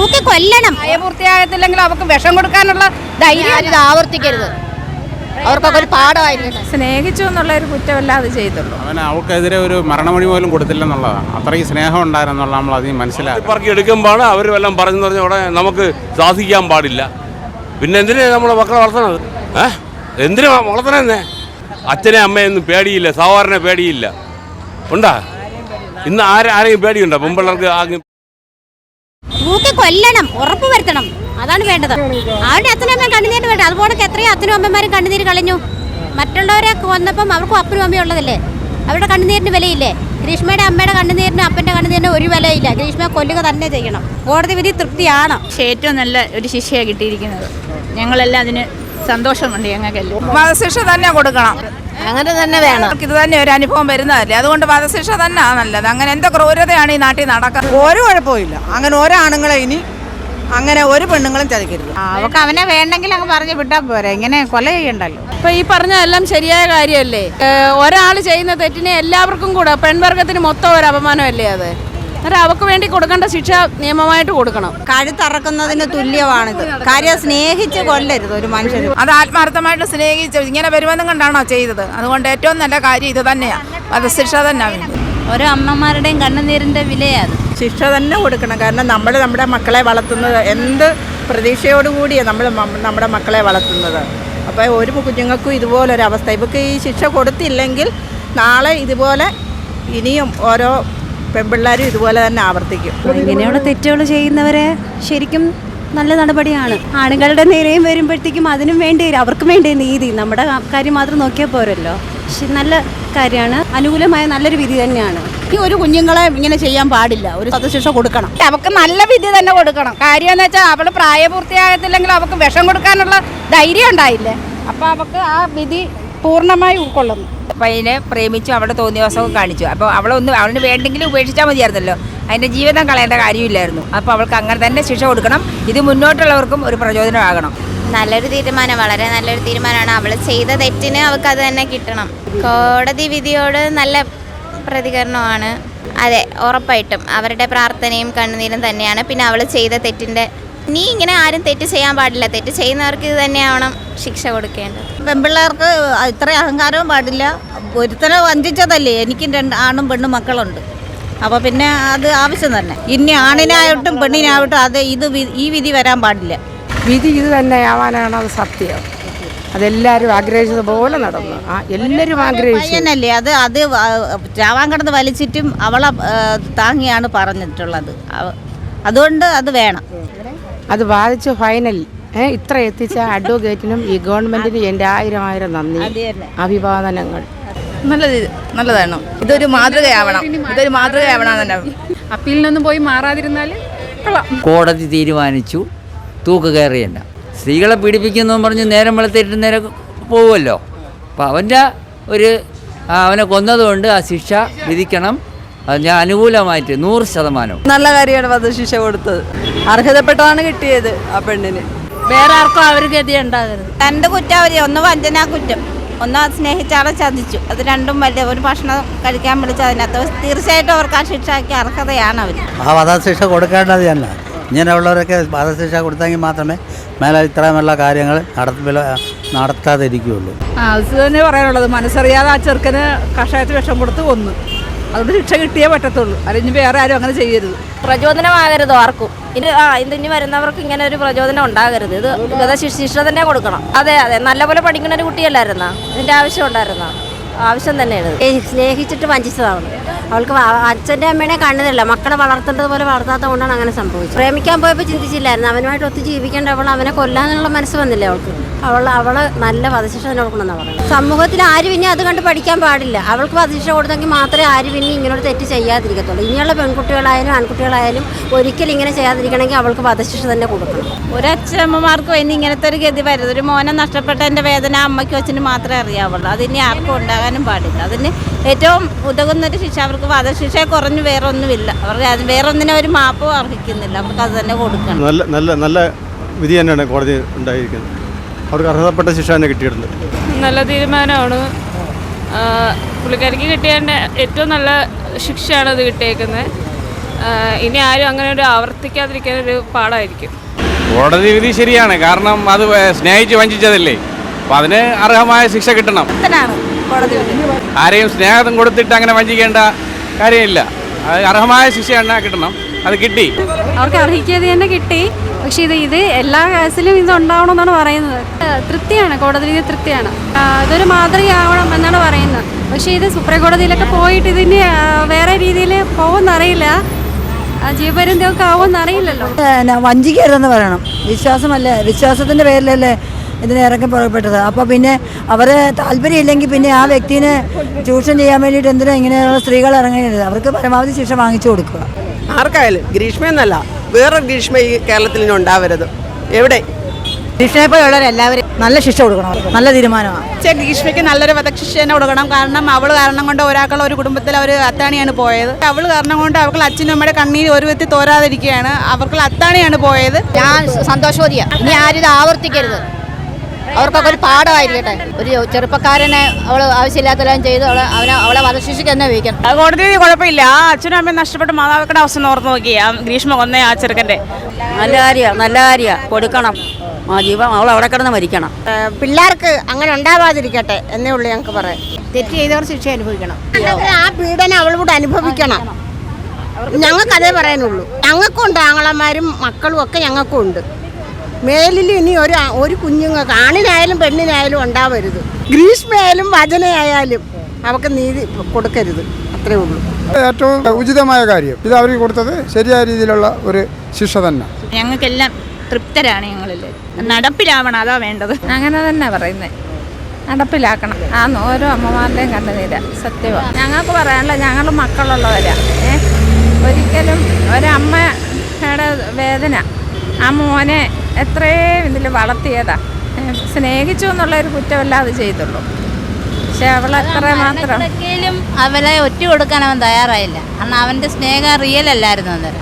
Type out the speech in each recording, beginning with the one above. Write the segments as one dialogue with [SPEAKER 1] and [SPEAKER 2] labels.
[SPEAKER 1] തൂക്കി കൊല്ലണം.
[SPEAKER 2] പ്രായപൂർത്തിയാകത്തില്ലെങ്കിൽ അവർക്ക് വിഷം കൊടുക്കാനുള്ള ധൈര്യം
[SPEAKER 1] ഇത് ആവർത്തിക്കരുത്. അവർക്കൊക്കെ ഒരു പാഠമായിരുന്നു.
[SPEAKER 2] സ്നേഹിച്ചു എന്നുള്ള ഒരു കുറ്റമല്ല അത് ചെയ്തുള്ളൂ.
[SPEAKER 3] അവൾക്കെതിരെ ഒരു മരണമൊഴി പോലും കൊടുത്തില്ലെന്നുള്ളതാണ്. അത്രയും സ്നേഹം ഉണ്ടായിരുന്നുള്ള നമ്മൾ അതിന് മനസ്സിലാക്കി
[SPEAKER 4] പറക്കി എടുക്കുമ്പോൾ അവർ വല്ലതും പറഞ്ഞു പറഞ്ഞ ഉടനെ നമുക്ക് സാധിക്കാൻ പാടില്ല. പിന്നെ എന്തിനാ നമ്മളെ മക്കളെ വളർത്തണത്? എന്തിനാ വളർത്തണെന്നേ? അച്ഛനെ അമ്മയൊന്നും പേടിയില്ല, സഹോദരനെ പേടിയില്ല. ഉണ്ടാ ഇന്ന് ആരെയും പേടിയുണ്ടോ? പെൺപിള്ളേർക്ക് ആകെ
[SPEAKER 1] തൂക്കി കൊല്ലണം, ഉറപ്പ് വരുത്തണം. അതാണ് വേണ്ടത്. അവരുടെ അച്ഛനും അമ്മയും കണ്ണുനീര് വേണ്ട. അതുപോലെ എത്രയോ അച്ഛനും അമ്മമാരും കണ്ണുനീര് കളഞ്ഞു. മറ്റുള്ളവരെ കൊന്നപ്പം അവർക്കും അപ്പനും അമ്മയും ഉള്ളതല്ലേ. അവരുടെ കണ്ണുനീരിന് വിലയില്ലേ? ഗ്രീഷ്മയുടെ അമ്മയുടെ കണ്ണുനീരിനും അപ്പൻ്റെ കണ്ണുനീരിനും ഒരു വിലയില്ല. ഗ്രീഷ്മയെ കൊല്ലുക തന്നെ ചെയ്യണം. കോടതി വിധി തൃപ്തിയാണ്.
[SPEAKER 5] പക്ഷേ ഏറ്റവും നല്ല ഒരു ശിക്ഷയാണ് കിട്ടിയിരിക്കുന്നത്. ഞങ്ങളെല്ലാം അതിന് സന്തോഷമുണ്ട്. ഞങ്ങൾക്കെല്ലാം
[SPEAKER 2] വധശിക്ഷ തന്നെ കൊടുക്കണം.
[SPEAKER 1] അങ്ങനെ തന്നെ വേണം.
[SPEAKER 2] ഇത് തന്നെ ഒരു അനുഭവം വരുന്നതല്ലേ, അതുകൊണ്ട് വധശിക്ഷ തന്നെ നല്ലത്. അങ്ങനെ എന്താ ക്രൂരതയാണ് ഈ നാട്ടിൽ നടക്കുന്നത്?
[SPEAKER 6] ഒരു കുഴപ്പമില്ല. അങ്ങനെ ഓരോ ആണുങ്ങളെ ഇനി അങ്ങനെ ഒരു പെണ്ണുങ്ങളും ചതിക്കരുത്.
[SPEAKER 5] അവർക്ക് അവനെ വേണ്ടെങ്കിൽ അങ്ങ് പറഞ്ഞു വിട്ടാൽ പോരാ, ഇങ്ങനെ കൊല ചെയ്യണ്ടല്ലോ.
[SPEAKER 2] ഇപ്പൊ ഈ പറഞ്ഞതെല്ലാം ശരിയായ കാര്യമല്ലേ? ഒരാൾ ചെയ്യുന്ന തെറ്റിനെ എല്ലാവർക്കും കൂടെ പെൺവർഗത്തിന് മൊത്തം ഒരു അപമാനമല്ലേ അത്? അവർക്ക് വേണ്ടി കൊടുക്കേണ്ട ശിക്ഷ നിയമമായിട്ട് കൊടുക്കണം.
[SPEAKER 6] കഴുത്തറക്കുന്നതിന് തുല്യമാണിത്. കാര്യം സ്നേഹിച്ച് കൊല്ലരുത് ഒരു മനുഷ്യരും.
[SPEAKER 2] അത് ആത്മാർത്ഥമായിട്ട് സ്നേഹിച്ച് ഇങ്ങനെ വരുമെന്നും കണ്ടാണോ ചെയ്തത്? അതുകൊണ്ട് ഏറ്റവും നല്ല കാര്യം ഇത് തന്നെയാണ്, വധശിക്ഷ തന്നെ.
[SPEAKER 5] ഓരോ അമ്മമാരുടെയും കണ്ണുനീരിന്റെ വിലയാണ്.
[SPEAKER 6] ശിക്ഷ തന്നെ കൊടുക്കണം. കാരണം നമ്മുടെ മക്കളെ വളർത്തുന്നത് എന്ത് പ്രതീക്ഷയോടുകൂടിയാണ് നമ്മുടെ മക്കളെ വളർത്തുന്നത്. അപ്പോൾ ഒരു കുഞ്ഞുങ്ങൾക്കും ഇതുപോലൊരവസ്ഥ. ഇവർക്ക് ഈ ശിക്ഷ കൊടുത്തില്ലെങ്കിൽ നാളെ ഇതുപോലെ ഇനിയും ഓരോ പെൺപിള്ളേരും ഇതുപോലെ തന്നെ ആവർത്തിക്കും.
[SPEAKER 7] ഇങ്ങനെയുള്ള തെറ്റുകൾ ചെയ്യുന്നവരെ ശരിക്കും നല്ല നടപടിയാണ്. ആണുങ്ങളുടെ നേരെയും വരുമ്പോഴത്തേക്കും അതിനും വേണ്ടി അവർക്ക് വേണ്ടി നീതി. നമ്മുടെ കാര്യം മാത്രം നോക്കിയാൽ പോരല്ലോ. നല്ല കാര്യമാണ്. അനുകൂലമായ നല്ലൊരു വിധി തന്നെയാണ്.
[SPEAKER 1] ഈ ഒരു കുഞ്ഞുങ്ങളെ ഇങ്ങനെ ചെയ്യാൻ പാടില്ല. ഒരു വധശിക്ഷ കൊടുക്കണം.
[SPEAKER 2] അവർക്ക് നല്ല വിധി തന്നെ കൊടുക്കണം. കാര്യം എന്ന് വെച്ചാൽ അവൾ പ്രായപൂർത്തിയാകത്തില്ലെങ്കിൽ അവർക്ക് വിഷം കൊടുക്കാനുള്ള ധൈര്യം ഉണ്ടായില്ലേ. അപ്പോൾ അവർക്ക് ആ വിധി പൂർണ്ണമായി ഉൾക്കൊള്ളുന്നു.
[SPEAKER 8] പയ്യനെ പ്രേമിച്ചു, അവിടെ തോന്നിയവസമൊക്കെ കാണിച്ചു. അപ്പോൾ അവളിന് വേണ്ടെങ്കിലും ഉപേക്ഷിച്ചാൽ മതിയായിരുന്നല്ലോ. അതിൻ്റെ ജീവിതം കളയേണ്ട കാര്യമില്ലായിരുന്നു. അപ്പോൾ അവൾക്ക് അങ്ങനെ തന്നെ ശിക്ഷ കൊടുക്കണം. ഇത് മുന്നോട്ടുള്ളവർക്കും ഒരു പ്രചോദനമാകണം.
[SPEAKER 1] നല്ലൊരു തീരുമാനം, വളരെ നല്ലൊരു തീരുമാനമാണ്. അവൾ ചെയ്ത തെറ്റിന് അവൾക്ക് അത് തന്നെ കിട്ടണം. കോടതി വിധിയോട് നല്ല പ്രതികരണമാണ്. അതെ, ഉറപ്പായിട്ടും അവരുടെ പ്രാർത്ഥനയും കണ്ണുനീരും തന്നെയാണ്. പിന്നെ അവൾ ചെയ്ത തെറ്റിൻ്റെ ഇനി ഇങ്ങനെ ആരും തെറ്റ് ചെയ്യാൻ പാടില്ല. തെറ്റ് ചെയ്യുന്നവർക്ക് ഇത് തന്നെയാവണം ശിക്ഷ കൊടുക്കേണ്ടത്.
[SPEAKER 6] പെൺപിള്ളേർക്ക് ഇത്ര അഹങ്കാരവും പാടില്ല. ഒരുത്തനെ വഞ്ചിച്ചതല്ലേ. എനിക്ക് 2 ആണും പെണ്ണും മക്കളുണ്ട്. അപ്പോൾ പിന്നെ അത് ആവശ്യം തന്നെ. ഇനി ആണിനായിട്ടും പെണ്ണിനായിട്ടും ഈ വിധി വരാൻ പാടില്ല.
[SPEAKER 2] വിധി ഇത് തന്നെയാവാനാണ് അത് സത്യം. അതെല്ലാവരും ആഗ്രഹിച്ചതുപോലെ നടന്നു. എല്ലാവരും ആഗ്രഹിച്ചു.
[SPEAKER 6] പയ്യനല്ലേ അത് ചാവാൻ കിടന്ന് വലിച്ചിട്ടും അവളെ താങ്ങിയാണ് പറഞ്ഞിട്ടുള്ളത്. അതുകൊണ്ട് അത് വേണം.
[SPEAKER 2] അത് ബാധിച്ചു ഫൈനൽ ഇത്ര എത്തിച്ച അഡ്വക്കേറ്റിനും ഈ ഗവൺമെന്റിനും എൻ്റെ 1000 നന്ദി, അഭിവാദനങ്ങൾ.
[SPEAKER 8] നല്ലതാണ്. ഇതൊരു മാതൃകയാവണം. തന്നെ.
[SPEAKER 2] അപ്പീലിനൊന്നും പോയി മാറാതിരുന്നാൽ
[SPEAKER 9] കോടതി തീരുമാനിച്ചു തൂക്കുകയറിയല്ല. സ്ത്രീകളെ പീഡിപ്പിക്കുന്നു പറഞ്ഞ് നേരം വെളുത്തിട്ട് നേരെ പോകുമല്ലോ. അപ്പോൾ അവനെ കൊന്നതുകൊണ്ട് ആ ശിക്ഷ വിധിക്കണം. അത് ഞാൻ അനുകൂലമായിട്ട് 100%.
[SPEAKER 6] നല്ല കാര്യമാണ് വധശിക്ഷ കൊടുത്തത്. അർഹതപ്പെട്ടതാണ് കിട്ടിയത് ആ പെണ്ണിന്.
[SPEAKER 5] വേറെ ആർക്കും അവർ ഗതി ഉണ്ടാകരുത്.
[SPEAKER 6] 2 കുറ്റം അവർ. ഒന്ന് വഞ്ചനാ കുറ്റം, ഒന്ന് സ്നേഹിച്ചാളെ ചതിച്ചു. അത് രണ്ടും വലിയ. ഒരു ഭക്ഷണം കഴിക്കാൻ വിളിച്ച് അതിനകത്ത് തീർച്ചയായിട്ടും അവർക്ക് ആ ശിക്ഷയ്ക്ക് അർഹതയാണ് അവർ.
[SPEAKER 10] ആ വധശിക്ഷ കൊടുക്കേണ്ടത് തന്നെ. ഇങ്ങനെയുള്ളവരൊക്കെ വധശിക്ഷ കൊടുത്തെങ്കിൽ മാത്രമേ മേലെ ഇത്രയുമുള്ള കാര്യങ്ങൾ നടത്താതിരിക്കുകയുള്ളൂ.
[SPEAKER 2] അത് തന്നെ പറയാനുള്ളത്. മനസ്സറിയാതെ ആ ചെറുക്കന് കഷായത്തിൽ വിഷം കൊടുത്ത് കൊന്നു. അതുകൊണ്ട് ശിക്ഷ കിട്ടിയേ പറ്റത്തുള്ളൂ. അതിന് വേറെ ആരും അങ്ങനെ ചെയ്യരുത്.
[SPEAKER 1] പ്രചോദനമാകരുത് ആർക്കും. ഇനി വരുന്നവർക്ക് ഇങ്ങനെ ഒരു പ്രചോദനം ഉണ്ടാകരുത്. ഇത് ശിക്ഷ തന്നെ കൊടുക്കണം. അതെ, നല്ലപോലെ പഠിക്കുന്ന ഒരു കുട്ടിയല്ലായിരുന്നാ? ഇതിൻ്റെ ആവശ്യം ഉണ്ടായിരുന്ന ആവശ്യം തന്നെയാണ്. സ്നേഹിച്ചിട്ട് വഞ്ചിച്ചതാണ്. അവൾക്ക് അച്ഛൻ്റെ അമ്മേനെ കണ്ടതല്ല, മക്കളെ വളർത്തേണ്ടത് പോലെ വളർത്താത്ത കൊണ്ടാണ് അങ്ങനെ സംഭവിച്ചത്. പ്രേമിക്കാൻ പോയപ്പോൾ ചിന്തിച്ചില്ലായിരുന്നു അവനുമായിട്ട് ഒത്തു ജീവിക്കേണ്ട അവനെ കൊല്ലാനുള്ള മനസ്സ് വന്നില്ലേ അവൾക്ക്. അവള് നല്ല വധശിക്ഷ തന്നെ കൊടുക്കണമെന്നാണ് പറയുന്നത്. സമൂഹത്തിൽ ആരും ഇനി അത് കണ്ട് പഠിക്കാൻ പാടില്ല. അവൾക്ക് വധശിക്ഷ കൊടുത്തെങ്കിൽ മാത്രമേ ആരും ഇനി ഇങ്ങനൊരു തെറ്റ് ചെയ്യാതിരിക്കത്തുള്ളൂ. ഇനിയുള്ള പെൺകുട്ടികളായാലും ആൺകുട്ടികളായാലും ഒരിക്കലും ഇങ്ങനെ ചെയ്യാതിരിക്കണമെങ്കിൽ അവൾക്ക് വധശിക്ഷ തന്നെ കൊടുക്കണം.
[SPEAKER 5] ഒരച്ഛമ്മമാർക്കും ഇനി ഇങ്ങനത്തെ ഒരു ഗതി വരരുത്. ഒരു മോനെ നഷ്ടപ്പെട്ടതിൻ്റെ വേദന അമ്മയ്ക്കും അച്ഛനും മാത്രമേ അറിയാവുള്ളൂ. അതിനി ആർക്കും ഉണ്ടാകാനും പാടില്ല. അതിന് ഏറ്റവും ഉതകുന്നൊരു ശിക്ഷ അവർക്ക് വധശിക്ഷ കുറഞ്ഞു വേറെ ഒന്നുമില്ല. അവർക്ക് അത് വേറൊന്നിനും ഒരു മാപ്പും അർഹിക്കുന്നില്ല. അവർക്ക് അത് തന്നെ കൊടുക്കണം.
[SPEAKER 3] നല്ല വിധി തന്നെയാണ് കോടതി ഉണ്ടായിരിക്കുന്നത്. അവർക്ക് അർഹതപ്പെട്ട ശിക്ഷ തന്നെ കിട്ടിയിട്ടുണ്ട്.
[SPEAKER 5] നല്ല തീരുമാനമാണ്. പുള്ളിക്കാരിക്ക് കിട്ടിയതിൻ്റെ ഏറ്റവും നല്ല ശിക്ഷയാണ് അത് കിട്ടിയേക്കുന്നത്.
[SPEAKER 2] ഇനി ആരും അങ്ങനെ ഒരു ആവർത്തിക്കാതിരിക്കാനൊരു പാടായിരിക്കും.
[SPEAKER 11] കോടതി വിധി ശരിയാണ്, കാരണം അത് സ്നേഹിച്ച് വഞ്ചിച്ചതല്ലേ, അപ്പം അതിന് അർഹമായ ശിക്ഷ കിട്ടണം. ആരെയും സ്നേഹം കൊടുത്തിട്ട് അങ്ങനെ വഞ്ചിക്കേണ്ട കാര്യമില്ല. അത് അർഹമായ ശിക്ഷ തന്നെ കിട്ടണം. അത് കിട്ടി,
[SPEAKER 7] അവർക്ക് അർഹിക്കാതെ തന്നെ കിട്ടി. പക്ഷേ ഇത് എല്ലാ കേസിലും ഇത് ഉണ്ടാവണമെന്നാണ് പറയുന്നത്. തൃപ്തിയാണ്, കോടതി വിധി തൃപ്തിയാണ്. ഇതൊരു മാതൃകയാവണം എന്നാണ് പറയുന്നത്. പക്ഷേ ഇത് സുപ്രീം കോടതിയിലൊക്കെ പോയിട്ട് ഇതിന് വേറെ രീതിയിൽ പോകുമെന്നറിയില്ല, ജീവപര്യന്തമൊക്കെ ആവുമെന്നറിയില്ലല്ലോ.
[SPEAKER 6] വഞ്ചിക്കരുതെന്ന് പറയണം. വിശ്വാസത്തിൻ്റെ പേരിലല്ലേ ഇതിന് ഇറക്കി പുറപ്പെട്ടത്. അപ്പോൾ പിന്നെ അവരെ താല്പര്യമില്ലെങ്കിൽ പിന്നെ ആ വ്യക്തിനെ ചൂഷണം ചെയ്യാൻ വേണ്ടിയിട്ട് എന്തിനാ ഇങ്ങനെയുള്ള സ്ത്രീകൾ ഇറങ്ങരുത്. അവർക്ക് പരമാവധി ശിക്ഷ വാങ്ങിച്ചു കൊടുക്കുക.
[SPEAKER 12] ആർക്കായാലും ഗ്രീഷ്മ എന്നല്ല, വേറൊരു ഗ്രീഷ്മ ഈ കേരളത്തിൽ ഇനി ഉണ്ടാവരുത്. എവിടെ
[SPEAKER 6] ഗ്രീഷ്മയെ പോലുള്ളവരെല്ലാവരും നല്ല ശിക്ഷ കൊടുക്കണം. നല്ല തീരുമാനമാണ്.
[SPEAKER 2] ഗ്രീഷ്മയ്ക്ക് നല്ലൊരു വധശിക്ഷ തന്നെ കൊടുക്കണം. കാരണം അവൾ കാരണം കൊണ്ട് ഒരാൾക്കുള്ള ഒരു കുടുംബത്തിൽ അവർ അത്താണിയാണ് പോയത്. അവൾ കാരണം കൊണ്ട് അവർക്ക് അച്ഛനും അമ്മയുടെ കണ്ണീര് ഒരു വ്യക്തി തോരാതിരിക്കുകയാണ്. അവർക്ക് അത്താണിയാണ് പോയത്.
[SPEAKER 1] ഞാൻ സന്തോഷവതിയാണ്. ഇനി ആരും ഇത് ആവർത്തിക്കരുത്. അവർക്കൊക്കെ ഒരു പാഠമായിരിക്കട്ടെ. ഒരു ചെറുപ്പക്കാരനെ അവൾ ആവശ്യമില്ലാത്തെല്ലാം ചെയ്ത് അവളെ വധശിക്ഷയ്ക്ക് തന്നെ വയ്ക്കണം.
[SPEAKER 2] കോടതി കുഴപ്പമില്ല. ആ അച്ഛനും അമ്മയും നഷ്ടപ്പെട്ട മാതാപിതാക്കളുടെ അവസ്ഥ ഓർത്ത് നോക്കി. ഗ്രീഷ്മ കൊന്നേ ആ ചെറുക്കൻ്റെ.
[SPEAKER 1] നല്ല കാര്യമാണ് കൊടുക്കണം. ജീവൻ അവൾ അവിടെ കിടന്ന് മരിക്കണം.
[SPEAKER 5] പിള്ളേർക്ക് അങ്ങനെ ഉണ്ടാവാതിരിക്കട്ടെ എന്നേ ഉള്ളൂ ഞങ്ങൾക്ക് പറയാം.
[SPEAKER 1] തെറ്റ് ചെയ്തവർ ശിക്ഷ അനുഭവിക്കണം.
[SPEAKER 5] ആ പീഡനം അവളോട് അനുഭവിക്കണം. ഞങ്ങൾക്കതേ പറയാനുള്ളൂ. ഞങ്ങൾക്കുണ്ട് ആങ്ങളമാരും മക്കളും ഒക്കെ ഞങ്ങൾക്കും ഉണ്ട്. മേലിൽ ഇനി ഒരു കുഞ്ഞുങ്ങൾക്ക് ആണിനായാലും പെണ്ണിനായാലും ഉണ്ടാവരുത്. ഗ്രീഷ്മയായാലും വചനയായാലും അവർക്ക് നീതി കൊടുക്കരുത്. അത്രേ ഉള്ളൂ.
[SPEAKER 3] ഏറ്റവും ഉചിതമായ കാര്യം ഇത് അവർക്ക് കൊടുത്തത് ശരിയായ രീതിയിലുള്ള ഒരു ശിക്ഷ തന്നെ.
[SPEAKER 2] ഞങ്ങൾക്കെല്ലാം തൃപ്തരാണ്. ഞങ്ങളില്ലേ നടപ്പിലാവണം, അതാ വേണ്ടത്. അങ്ങനെ തന്നെ പറയുന്നത്, നടപ്പിലാക്കണം. ഓരോ അമ്മമാരുടെയും കണ്ണുനീര സത്യമാണ്. ഞങ്ങൾക്ക് പറയാനുള്ള, ഞങ്ങൾ മക്കളുള്ളവരാ. ഒരിക്കലും ഒരമ്മയുടെ വേദന, ആ മോനെ എത്രയും ഇതിൽ വളർത്തിയതാ, സ്നേഹിച്ചു എന്നുള്ളൊരു കുറ്റമല്ല അത് ചെയ്തുള്ളൂ. പക്ഷെ അവളെത്ര മാത്രം
[SPEAKER 5] അവനെ ഒറ്റ കൊടുക്കാൻ അവൻ തയ്യാറായില്ല. കാരണം അവൻ്റെ സ്നേഹം റിയൽ അല്ലായിരുന്നു അന്നേരം.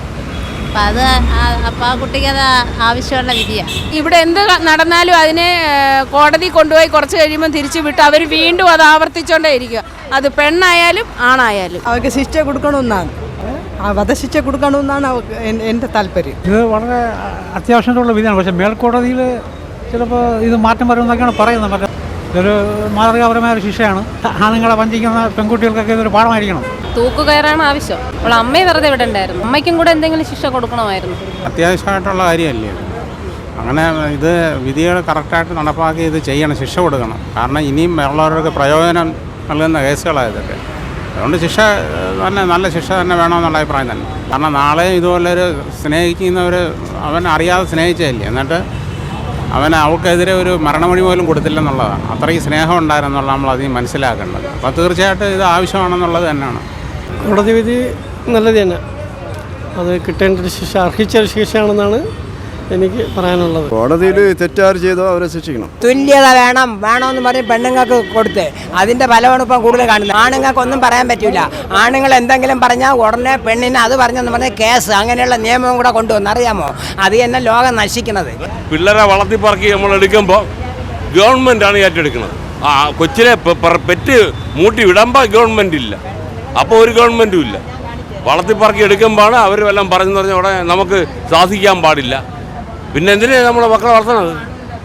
[SPEAKER 5] അപ്പം ആ കുട്ടിക്ക് അത് ആവശ്യമുള്ള വിധിയാണ്.
[SPEAKER 2] ഇവിടെ എന്ത് നടന്നാലും അതിനെ കോടതി കൊണ്ടുപോയി കുറച്ച് കഴിയുമ്പോൾ തിരിച്ചു വിട്ട് അവർ വീണ്ടും അത് ആവർത്തിച്ചുകൊണ്ടേ ഇരിക്കുക. അത് പെണ്ണായാലും ആണായാലും
[SPEAKER 6] അവർക്ക് ശിക്ഷ കൊടുക്കണമെന്നാണ്, വധശിക്ഷ കൊടുക്കണമെന്നാണ് എൻ്റെ താല്പര്യം.
[SPEAKER 3] ഇത് വളരെ അത്യാവശ്യമുള്ള വിധിയാണ്. പക്ഷേ മേൽക്കോടതിയിൽ ചിലപ്പോൾ ഇത് മാറ്റം വരുമെന്നൊക്കെയാണ് പറയുന്നത്. ഇതൊരു മാതൃകാപരമായ ഒരു ശിക്ഷയാണ്. ആണുങ്ങളെ വഞ്ചിക്കുന്ന പെൺകുട്ടികൾക്കൊക്കെ ഇതൊരു പാഠമായിരിക്കണം.
[SPEAKER 2] തൂക്കുകയറാണ് ആവശ്യം. അവൾ അമ്മയെ വെറുതെ ഇവിടെ ഉണ്ടായിരുന്നു. അമ്മയ്ക്കും കൂടെ എന്തെങ്കിലും ശിക്ഷ കൊടുക്കണമായിരുന്നു.
[SPEAKER 3] അത്യാവശ്യമായിട്ടുള്ള കാര്യമല്ലേ അങ്ങനെ. ഇത് വിധികൾ കറക്റ്റായിട്ട് നടപ്പാക്കി ഇത് ചെയ്യണം, ശിക്ഷ കൊടുക്കണം. കാരണം ഇനിയും ഉള്ളവർക്ക് പ്രയോജനം നൽകുന്ന കേസുകളാണ് ഇതൊക്കെ. അതുകൊണ്ട് ശിക്ഷ തന്നെ, നല്ല ശിക്ഷ തന്നെ വേണമെന്നുള്ള അഭിപ്രായം തന്നെ. കാരണം നാളെ ഇതുപോലൊരു സ്നേഹിക്കുന്നവർ അവൻ അറിയാതെ സ്നേഹിച്ചതല്ലേ, എന്നിട്ട് അവൾക്കെതിരെ ഒരു മരണമൊഴി പോലും കൊടുത്തില്ലെന്നുള്ളതാണ്. അത്രയും സ്നേഹം ഉണ്ടായിരുന്നുള്ള നമ്മൾ അധികം മനസ്സിലാക്കേണ്ടത്. അപ്പോൾ തീർച്ചയായിട്ടും ഇത് ആവശ്യമാണെന്നുള്ളത് തന്നെയാണ്.
[SPEAKER 12] കോടതി വിധി നല്ലത് തന്നെ. അത് കിട്ടേണ്ട ഒരു ശിക്ഷ, അർഹിച്ചൊരു ശിക്ഷയാണെന്നാണ് എനിക്ക് പറയാനുള്ളത്.
[SPEAKER 3] കോടതിയിൽ തെറ്റാറ് ചെയ്തോ അവരെ ശിക്ഷിക്കണം.
[SPEAKER 12] തുല്യത വേണമെന്ന് പറഞ്ഞ് പെണ്ണുങ്ങൾക്ക് കൊടുത്ത് അതിൻ്റെ ഫലമാണ് ഇപ്പം കൂടുതൽ കാണുന്നത്. ആണുങ്ങൾക്കൊന്നും പറയാൻ പറ്റില്ല. ആണുങ്ങൾ എന്തെങ്കിലും പറഞ്ഞാൽ ഉടനെ പെണ്ണിനെ അത് പറഞ്ഞെന്ന് പറഞ്ഞാൽ കേസ്, അങ്ങനെയുള്ള നിയമവും കൂടെ കൊണ്ടുവന്ന് അറിയാമോ? അത് തന്നെ ലോകം നശിക്കുന്നത്.
[SPEAKER 4] പിള്ളേരെ വളർത്തിപ്പറക്കി നമ്മൾ എടുക്കുമ്പോൾ ഗവൺമെൻറ്റാണ് ഏറ്റെടുക്കുന്നത്. കൊച്ചിനെ പെറ്റ് മൂട്ടി വിടുമ്പോൾ ഗവൺമെൻറ് ഇല്ല, അപ്പോൾ ഒരു ഗവൺമെൻറ്റും ഇല്ല. വളർത്തിപ്പറക്കി എടുക്കുമ്പോഴാണ് അവർ വല്ലതും പറഞ്ഞെന്ന് പറഞ്ഞാൽ ഉടനെ നമുക്ക് സാധിക്കാൻ പാടില്ല. പിന്നെ എന്തിനാ നമ്മളെ മക്കളെ വളർത്തണത്?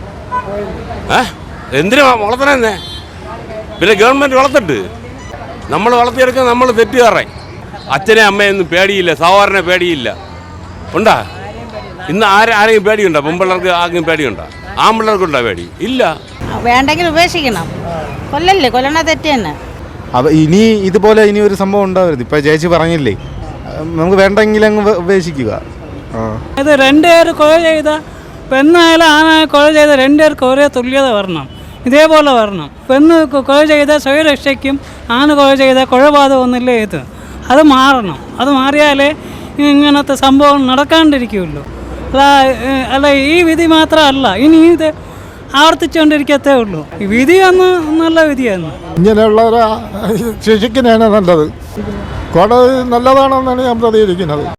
[SPEAKER 4] എന്തിനാ വളർത്തണേ? പിന്നെ ഗവൺമെൻറ് വളർത്തിട്ട് നമ്മൾ വളർത്തിയെടുക്കാൻ നമ്മൾ തെറ്റുകാരെ. അച്ഛനെ അമ്മയൊന്നും പേടിയില്ല, സഹോദരനെ പേടിയില്ല. ഉണ്ടാ? ഇന്ന് ആരെയും പേടിയുണ്ടോ? പെൺപിള്ളേർക്ക് ആർക്കും പേടിയുണ്ടോ? ആൺപിള്ളേർക്കുണ്ടോ പേടി? ഇല്ല.
[SPEAKER 5] വേണ്ടെങ്കിൽ ഉപേക്ഷിക്കണം. കൊല്ലണ തെറ്റ് തന്നെ.
[SPEAKER 3] അപ്പോൾ ഇനി ഇതുപോലെ ഇനി ഒരു സംഭവം ഉണ്ടാവരുത്. ഇപ്പോൾ ചേച്ചി പറഞ്ഞില്ലേ, നമുക്ക് വേണ്ടെങ്കിൽ അങ്ങ് ഉപേക്ഷിക്കുക.
[SPEAKER 12] ഇത് രണ്ടുപേർ കൊല ചെയ്ത, പെണ്ണായാലും ആണായാലും കൊല ചെയ്ത രണ്ടുപേർക്ക് ഒരേ തുല്യത വരണം, ഇതേപോലെ വരണം. പെണ്ണ് കൊല ചെയ്ത സ്വയരക്ഷയ്ക്കും ആണ് കൊല ചെയ്ത കൊലപാതകമൊന്നുമില്ല ഇത്. അത് മാറണം. അത് മാറിയാലേ ഇങ്ങനത്തെ സംഭവം നടക്കാണ്ടിരിക്കുമല്ലോ. അല്ല ഈ വിധി മാത്രമല്ല, ഇനി ഇത് ആവർത്തിച്ചുകൊണ്ടിരിക്കത്തേ ഉള്ളൂ. ഈ വിധി അന്ന് നല്ല വിധിയാണ്.
[SPEAKER 3] ഇങ്ങനെയുള്ളവരെ ശിക്ഷിക്കുന്നതാണ് നല്ലത്. കോടതി നല്ലതാണെന്നാണ് ഞാൻ പ്രതികരിക്കുന്നത്.